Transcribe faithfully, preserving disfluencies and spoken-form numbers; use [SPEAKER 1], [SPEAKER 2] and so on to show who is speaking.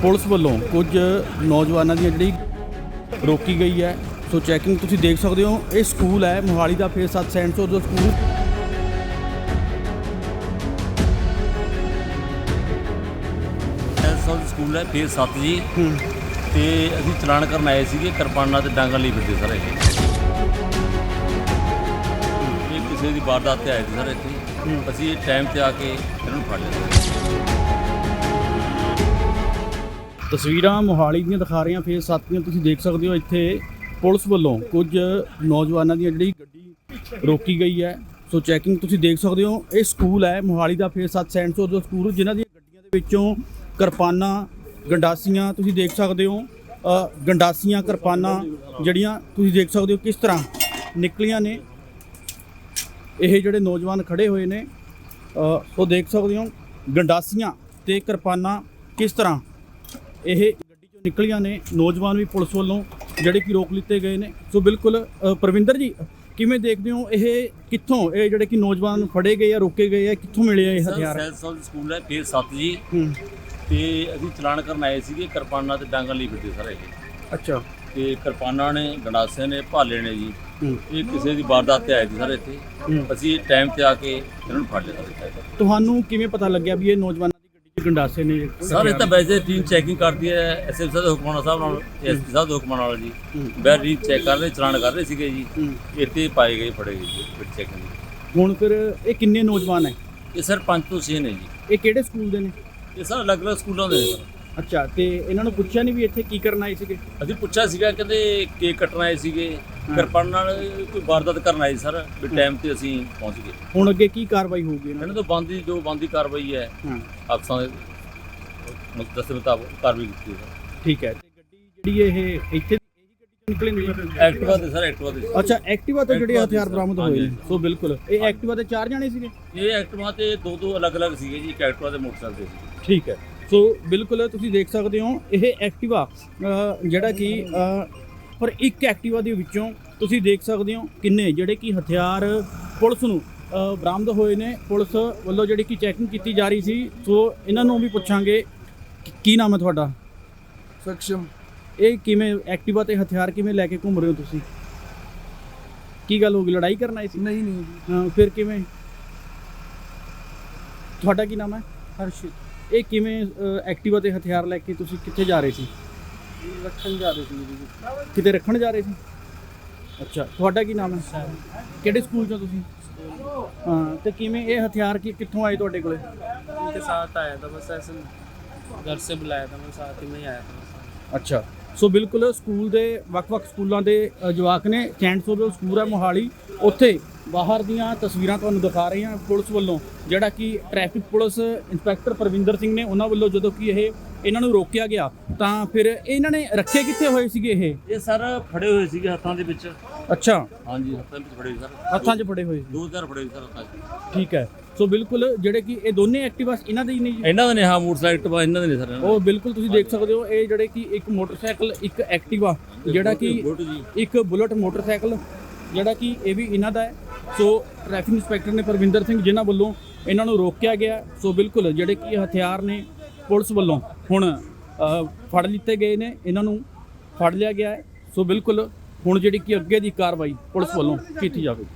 [SPEAKER 1] Police ਵੱਲੋਂ ਕੁਝ ਨੌਜਵਾਨਾਂ ਦੀ ਜਿਹੜੀ ਰੋਕੀ ਗਈ ਹੈ। ਸੋ ਚੈਕਿੰਗ ਤੁਸੀਂ ਦੇਖ ਸਕਦੇ ਹੋ। ਇਹ ਸਕੂਲ ਹੈ ਮੋਹਾਲੀ ਦਾ ਫੇਸ ਸੱਤ ਸੈਂਟ ਸੌ ਦਾ ਸਕੂਲ।
[SPEAKER 2] ਸਕੂਲ ਹੈ ਫੇਸ ਸੱਤ ਜੀ ਤੇ ਅਸੀਂ ਚਲਾਨ ਕਰਨ ਆਏ ਸੀਗੇ। ਕਿਰਪਾਨਾਂ ਤੇ ਡਾਂਗਾਂ ਲਈ ਫਿਰਦੇ ਸਰ। ਇਹ ਇਹ ਕਿਸੇ ਦੀ ਵਾਰਦਾਤ ਤੇ ਆਏ ਸੀ ਸਰ ਇੱਥੇ। ਅਸੀਂ ਇਹ ਟਾਈਮ ਤੇ ਆ ਕੇ ਇਹਨਾਂ ਨੂੰ ਫੜ ਲਿਆ।
[SPEAKER 1] ਤਸਵੀਰਾਂ ਮੋਹਾਲੀ ਦੀਆਂ ਦਿਖਾ ਰਹੀਆਂ ਫੇਸ ਸੱਤ ਦੀਆਂ। ਤੁਸੀਂ ਦੇਖ ਸਕਦੇ ਹੋ ਇੱਥੇ ਪੁਲਿਸ ਵੱਲੋਂ ਕੁਝ ਨੌਜਵਾਨਾਂ ਦੀ ਜਿਹੜੀ ਗੱਡੀ ਰੋਕੀ ਗਈ ਹੈ। ਸੋ ਚੈਕਿੰਗ ਤੁਸੀਂ ਦੇਖ ਸਕਦੇ ਹੋ। ਇਹ ਸਕੂਲ ਹੈ ਮੋਹਾਲੀ ਦਾ ਫੇਸ ਸੱਤ ਸੈਂਟ ਸੌ ਦਾ ਸਕੂਲ, ਜਿਨ੍ਹਾਂ ਦੀਆਂ ਗੱਡੀਆਂ ਦੇ ਵਿੱਚੋਂ ਕਿਰਪਾਨਾਂ, ਗੰਡਾਸੀਆਂ ਤੁਸੀਂ ਦੇਖ ਸਕਦੇ ਹੋ। ਗੰਡਾਸੀਆਂ ਕਿਰਪਾਨਾਂ ਜਿਹੜੀਆਂ ਤੁਸੀਂ ਦੇਖ ਸਕਦੇ ਹੋ ਕਿਸ ਤਰ੍ਹਾਂ ਨਿਕਲੀਆਂ ਨੇ। ਇਹ ਜਿਹੜੇ ਨੌਜਵਾਨ ਖੜੇ ਹੋਏ ਨੇ ਉਹ ਦੇਖ ਸਕਦੇ ਹੋ ਗੰਡਾਸੀਆਂ ਤੇ ਕਿਰਪਾਨਾਂ ਕਿਸ ਤਰ੍ਹਾਂ ਇਹ ਗੱਡੀ ਚੋਂ ਨਿਕਲੀਆਂ ਨੇ। ਨੌਜਵਾਨ ਵੀ ਪੁਲਿਸ ਵੱਲੋਂ ਜਿਹੜੇ ਕਿ ਰੋਕ ਲਿੱਤੇ ਗਏ ਨੇ। ਸੋ ਬਿਲਕੁਲ ਪਰਵਿੰਦਰ ਜੀ, ਕਿਵੇਂ ਦੇਖਦੇ ਹੋ ਇਹ ਕਿੱਥੋਂ ਇਹ ਜਿਹੜੇ ਕਿ ਨੌਜਵਾਨ ਫੜੇ ਗਏ ਆ, ਰੋਕੇ ਗਏ ਆ, ਕਿੱਥੋਂ ਮਿਲੇ ਆ ਇਹ ਹਥਿਆਰ?
[SPEAKER 2] ਸਕੂਲ ਹੈ ਫੇਸ ਸੱਤ ਜੀ ਤੇ ਅਸੀਂ ਚਲਾਨ ਕਰਨ ਆਏ ਸੀਗੇ। ਕਿਰਪਾਨਾਂ ਤੇ ਡਾਂਗਾਂ ਲਈ ਫਿਰਦੇ ਸਰ ਇਹ।
[SPEAKER 1] ਅੱਛਾ।
[SPEAKER 2] ਤੇ ਕਿਰਪਾਨਾਂ ਨੇ, ਗੰਡਾਸੇ ਨੇ, ਭਾਲੇ ਨੇ ਜੀ। ਇਹ ਕਿਸੇ ਦੀ ਵਾਰਦਾਤ ਤੇ ਆਏ ਸੀ ਸਰ ਇੱਥੇ। ਅਸੀਂ ਟਾਈਮ ਤੇ ਆ ਕੇ ਇਹਨਾਂ ਨੂੰ ਫੜ ਲਿਆ।
[SPEAKER 1] ਤੁਹਾਨੂੰ ਕਿਵੇਂ ਪਤਾ ਲੱਗਿਆ ਵੀ ਇਹ ਨੌਜਵਾਨਾਂ ਦੀ ਗੱਡੀ 'ਚ ਗੰਡਾਸੇ ਨੇ?
[SPEAKER 2] ਸਰ ਇਹ ਤਾਂ ਵੈਸੇ ਟੀਮ ਚੈਕਿੰਗ ਕਰਦੀ ਹੈ ਐਸ ਐਸ ਸਾਹਿਬ ਦੇ ਹੁਕਮਾਂ ਸਾਹਿਬ ਨਾਲ, ਐਸ ਪੀ ਸਾਹਿਬ ਦੇ ਹੁਕਮਾਂ ਨਾਲ ਜੀ। ਬੈਰੀ ਚੈੱਕ ਕਰ ਰਹੇ, ਚਲਾਨ ਕਰ ਰਹੇ ਸੀਗੇ ਜੀ। ਇੱਥੇ ਪਾਏ ਗਏ, ਫੜੇ ਗਏ ਜੀ ਫਿਰ ਚੈਕਿੰਗ।
[SPEAKER 1] ਹੁਣ ਫਿਰ ਇਹ ਕਿੰਨੇ ਨੌਜਵਾਨ ਹੈ?
[SPEAKER 2] ਇਹ ਸਰ ਪੰਜ ਤੋਂ ਛੇ ਨੇ ਜੀ।
[SPEAKER 1] ਇਹ ਕਿਹੜੇ ਸਕੂਲ ਦੇ ਨੇ?
[SPEAKER 2] ਇਹ ਸਰ ਅਲੱਗ-ਅਲੱਗ ਸਕੂਲਾਂ ਦੇ ਨੇ ਸਰ।
[SPEAKER 1] ਅੱਛਾ। ਤੇ ਇਹਨਾਂ ਨੂੰ ਪੁੱਛਿਆ ਨਹੀਂ ਵੀ ਇੱਥੇ ਕੀ ਕਰਨ ਆਏ ਸੀਗੇ?
[SPEAKER 2] ਅਸੀਂ ਪੁੱਛਿਆ ਸੀਗਾ, ਕਹਿੰਦੇ ਕੇਕ ਕੱਟਣ ਆਏ ਸੀਗੇ। ਕਿਰਪਾਨ ਨਾਲ ਕੋਈ ਵਾਰਦਾਤ ਕਰਨ ਆਏ ਸਰ। ਵੀ ਟਾਈਮ ਤੇ ਅਸੀਂ ਪਹੁੰਚ ਗਏ।
[SPEAKER 1] ਹੁਣ ਅੱਗੇ ਕੀ ਕਾਰਵਾਈ ਹੋਊਗੀ ਇਹਨਾਂ
[SPEAKER 2] ਇਹਨਾਂ ਤੋਂ ਬੰਦੀ ਜੋ ਬੰਦੀ ਕਾਰਵਾਈ ਹੈ ਅਫਸਰਾਂ ਦੇ ਦੱਸੇ ਮੁਤਾਬਕ ਕਾਰਵਾਈ ਕੀਤੀ ਹੈ ਸਰ।
[SPEAKER 1] ਠੀਕ ਹੈ। ਤੇ ਗੱਡੀ ਜਿਹੜੀ ਇਹ ਇੱਥੇ ਇਹੀ ਗੱਡੀ ਚੋਂ ਨਿਕਲੀ ਨਹੀਂ?
[SPEAKER 2] ਐਕਟਿਵਾ ਤੇ ਸਰ, ਐਕਟਿਵਾ ਤੇ।
[SPEAKER 1] ਅੱਛਾ, ਐਕਟਿਵਾ ਤੇ ਜਿਹੜੇ ਹਥਿਆਰ ਬਰਾਮਦ ਹੋਏ ਨੇ। ਸੋ ਬਿਲਕੁਲ ਇਹ ਐਕਟਿਵਾ ਤੇ ਚਾਰ ਜਾਣੇ ਸੀਗੇ?
[SPEAKER 2] ਇਹ ਐਕਟਿਵਾ ਤੇ ਦੋ ਦੋ ਅਲੱਗ-ਅਲੱਗ ਸੀਗੇ ਜੀ। ਇੱਕ ਐਕਟਿਵਾ ਤੇ ਮੋਟਰਸਾਈਕਲ ਤੇ ਸੀਗੇ।
[SPEAKER 1] ਠੀਕ ਹੈ। ਸੋ ਬਿਲਕੁਲ ਤੁਸੀਂ ਦੇਖ ਸਕਦੇ ਹੋ ਇਹ ਐਕਟਿਵਾ ਜਿਹੜਾ ਕਿ ਪਰ ਇੱਕ ਐਕਟਿਵਾ ਦੇ ਵਿੱਚੋਂ ਤੁਸੀਂ ਦੇਖ ਸਕਦੇ ਹੋ ਕਿੰਨੇ ਜਿਹੜੇ ਕਿ ਹਥਿਆਰ ਪੁਲਿਸ ਨੂੰ ਬਰਾਮਦ ਹੋਏ ਨੇ। ਪੁਲਿਸ ਵੱਲੋਂ ਜਿਹੜੀ ਕਿ ਚੈਕਿੰਗ ਕੀਤੀ ਜਾ ਰਹੀ ਸੀ। ਸੋ ਇਹਨਾਂ ਨੂੰ ਵੀ ਪੁੱਛਾਂਗੇ ਕੀ ਨਾਮ ਹੈ ਤੁਹਾਡਾ?
[SPEAKER 3] ਸਖਸ਼ਮ।
[SPEAKER 1] ਇਹ ਕਿਵੇਂ ਐਕਟਿਵਾ ਤੇ ਹਥਿਆਰ ਕਿਵੇਂ ਲੈ ਕੇ ਘੁੰਮ ਰਹੇ ਹੋ ਤੁਸੀਂ? ਕੀ ਗੱਲ ਹੋ ਗਈ, ਲੜਾਈ ਕਰਨ ਆਏ ਸੀ?
[SPEAKER 3] ਨਹੀਂ ਨਹੀਂ ਜੀ।
[SPEAKER 1] ਹਾਂ, ਫਿਰ ਕਿਵੇਂ? ਤੁਹਾਡਾ ਕੀ ਨਾਮ ਹੈ?
[SPEAKER 3] ਹਰਸ਼ਿਤ।
[SPEAKER 1] ਇਹ ਕਿਵੇਂ ਐਕਟਿਵਾ ਤੇ ਹਥਿਆਰ ਲੈ ਕੇ ਤੁਸੀਂ ਕਿੱਥੇ ਜਾ ਰਹੇ ਸੀ?
[SPEAKER 3] ਰੱਖਣ ਜਾ ਰਹੇ ਸੀ ਜੀ।
[SPEAKER 1] ਕਿਤੇ ਰੱਖਣ ਜਾ ਰਹੇ ਸੀ? ਅੱਛਾ। ਤੁਹਾਡਾ ਕੀ ਨਾਮ ਹੈ? ਕਿਹੜੇ ਸਕੂਲ ਚੋਂ ਤੁਸੀਂ? ਹਾਂ। ਤੇ ਕਿਵੇਂ ਇਹ ਹਥਿਆਰ ਕੀ ਕਿੱਥੋਂ ਆਏ ਤੁਹਾਡੇ ਕੋਲੇ?
[SPEAKER 3] उनके साथ आया था बस ऐसे घर से बुलाया था, मैं साथ ही में ही आया था।
[SPEAKER 1] ਅੱਛਾ। ਸੋ ਬਿਲਕੁਲ ਸਕੂਲ ਦੇ ਵੱਖ-ਵੱਖ ਸਕੂਲਾਂ ਦੇ ਜਵਾਕ ਨੇ। ਸੈਂਟ ਸੌ ਦਾ ਸਕੂਲ ਹੈ ਮੋਹਾਲੀ। ਉੱਥੇ ਬਾਹਰ ਦੀਆਂ ਤਸਵੀਰਾਂ ਤੁਹਾਨੂੰ ਦਿਖਾ ਰਹੇ ਹਾਂ ਪੁਲਿਸ ਵੱਲੋਂ, ਜਿਹੜਾ ਕਿ traffic police inspector Parvinder Singh ਨੇ ਉਹਨਾਂ ਵੱਲੋਂ ਜਦੋਂ ਕਿ ਇਹ ਇਹਨਾਂ ਨੂੰ ਰੋਕਿਆ ਗਿਆ ਤਾਂ ਫਿਰ ਇਹਨਾਂ ਨੇ ਰੱਖੇ ਕਿੱਥੇ ਹੋਏ ਸੀਗੇ ਇਹ?
[SPEAKER 2] ਇਹ ਸਰ ਫੜੇ ਹੋਏ ਸੀਗੇ ਹੱਥਾਂ ਦੇ ਵਿੱਚ।
[SPEAKER 1] ਅੱਛਾ।
[SPEAKER 2] ਹਾਂਜੀ, ਹੱਥਾਂ ਵਿੱਚ ਫੜੇ ਸਰ।
[SPEAKER 1] ਹੱਥਾਂ 'ਚ ਫੜੇ ਹੋਏ ਸੀ?
[SPEAKER 2] ਦੋ ਚਾਰ ਫੜੇ ਸਰ ਹੱਥਾਂ 'ਚ।
[SPEAKER 1] ਠੀਕ ਹੈ। ਸੋ ਬਿਲਕੁਲ ਜਿਹੜੇ ਕਿ ਇਹ ਦੋਨੇ ਐਕਟਿਵਾ ਇਹਨਾਂ ਦੇ ਹੀ ਨੇ ਜੀ?
[SPEAKER 2] ਇਹਨਾਂ ਦੇ ਨੇ। ਹਾਂ, ਮੋਟਰਸਾਈਕਲ ਇਹਨਾਂ ਦੇ ਨੇ ਸਰ।
[SPEAKER 1] ਉਹ ਬਿਲਕੁਲ ਤੁਸੀਂ ਦੇਖ ਸਕਦੇ ਹੋ ਇਹ ਜਿਹੜੇ ਕਿ ਇੱਕ ਮੋਟਰਸਾਈਕਲ, ਇੱਕ ਐਕਟਿਵਾ, ਜਿਹੜਾ ਕਿ ਇੱਕ ਬੁਲਟ ਮੋਟਰਸਾਈਕਲ ਜਿਹੜਾ ਕਿ ਇਹ ਵੀ ਇਹਨਾਂ ਦਾ ਹੈ। ਸੋ ਟ੍ਰੈਫਿਕ ਇੰਸਪੈਕਟਰ ਨੇ ਪਰਵਿੰਦਰ ਸਿੰਘ ਜਿਨ੍ਹਾਂ ਵੱਲੋਂ ਇਹਨਾਂ ਨੂੰ ਰੋਕਿਆ ਗਿਆ। ਸੋ ਬਿਲਕੁਲ ਜਿਹੜੇ ਕਿ ਹਥਿਆਰ ਨੇ ਪੁਲਿਸ ਵੱਲੋਂ ਹੁਣ ਫੜ ਲਿੱਤੇ ਗਏ ਨੇ, ਇਹਨਾਂ ਨੂੰ ਫੜ ਲਿਆ ਗਿਆ ਹੈ। ਸੋ ਬਿਲਕੁਲ ਹੁਣ ਜਿਹੜੀ ਕਿ ਅੱਗੇ ਦੀ ਕਾਰਵਾਈ ਪੁਲਿਸ ਵੱਲੋਂ ਕੀਤੀ ਜਾਵੇਗੀ।